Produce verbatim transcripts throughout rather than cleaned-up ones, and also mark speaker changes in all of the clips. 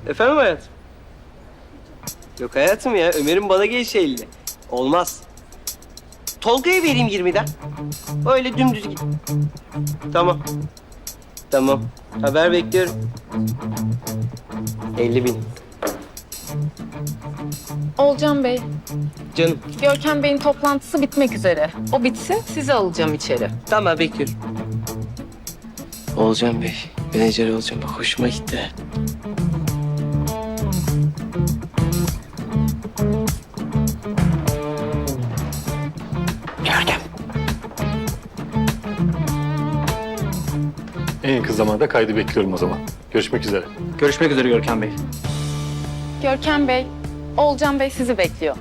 Speaker 1: Efendim hayatım? Yok hayatım ya, Ömer'in bana gelişi elli. Olmaz. Tolga'ya vereyim yirmiden. Öyle dümdüz git. Tamam. Tamam. Haber bekliyorum. elli bin.
Speaker 2: Olcan Bey,
Speaker 1: Canım.
Speaker 2: Görkem Bey'in toplantısı bitmek üzere. O bitsin, sizi alacağım içeri.
Speaker 1: Tamam bekliyorum. Olcan Bey, menajer olacağım. Bak hoşuma gitti. Görkem.
Speaker 3: En yakın zamanda kaydı bekliyorum o zaman. Görüşmek üzere.
Speaker 4: Görüşmek üzere Görkem Bey.
Speaker 2: Görkem Bey, Olcan Bey sizi bekliyor.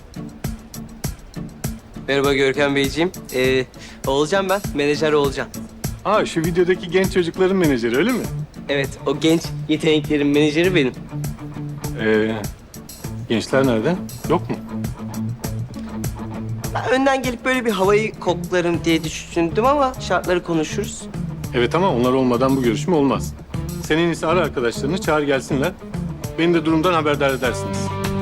Speaker 1: Merhaba Görkem Beyciğim. Ee, Olcan ben, menajer Olcan.
Speaker 3: Aa, şu videodaki genç çocukların menajeri öyle mi?
Speaker 1: Evet, o genç yeteneklerin menajeri benim.
Speaker 3: Ee, gençler nerede? Yok mu?
Speaker 1: Ben önden gelip böyle bir havayı koklarım diye düşündüm ama şartları konuşuruz.
Speaker 3: Evet ama onlar olmadan bu görüşme olmaz. Sen en iyisi ara arkadaşlarını, çağır gelsinler. Beni de durumdan haberdar edersiniz.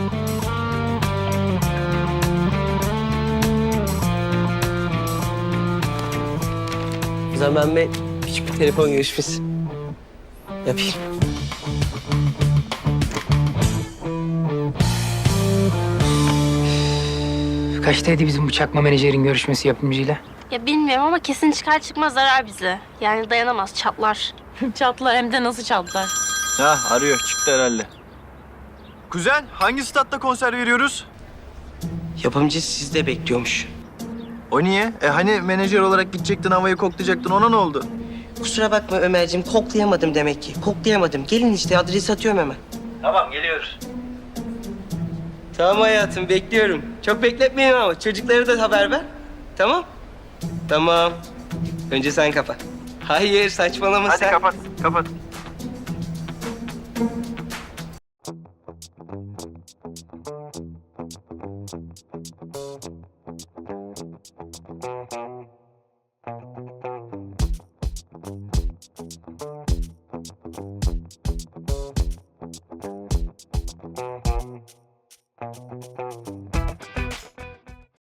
Speaker 1: O zaman ben küçük bir telefon görüşmesi yapayım.
Speaker 5: Kaçtaydı bizim bu çakma menajerin görüşmesi yapımcıyla?
Speaker 6: Ya bilmiyorum ama kesin çıkar çıkmaz zarar bize. Yani dayanamaz, çatlar.
Speaker 2: Çatlar hem de nasıl çatlar?
Speaker 4: Ha arıyor çıktı herhalde. Kuzen hangi statta konser veriyoruz?
Speaker 1: Yapımcı sizde bekliyormuş.
Speaker 4: O niye? E hani menajer olarak gidecektin havayı koklayacaktın ona ne oldu?
Speaker 1: Kusura bakma Ömerciğim, koklayamadım demek ki. Koklayamadım. Gelin işte, adresi atıyorum hemen.
Speaker 4: Tamam geliyoruz.
Speaker 1: Tamam hayatım, bekliyorum. Çok bekletmeyin ama çocuklara da haber ver. Tamam? Tamam. Önce sen kapa. Hayır, saçmalama sen.
Speaker 4: kapat kapat.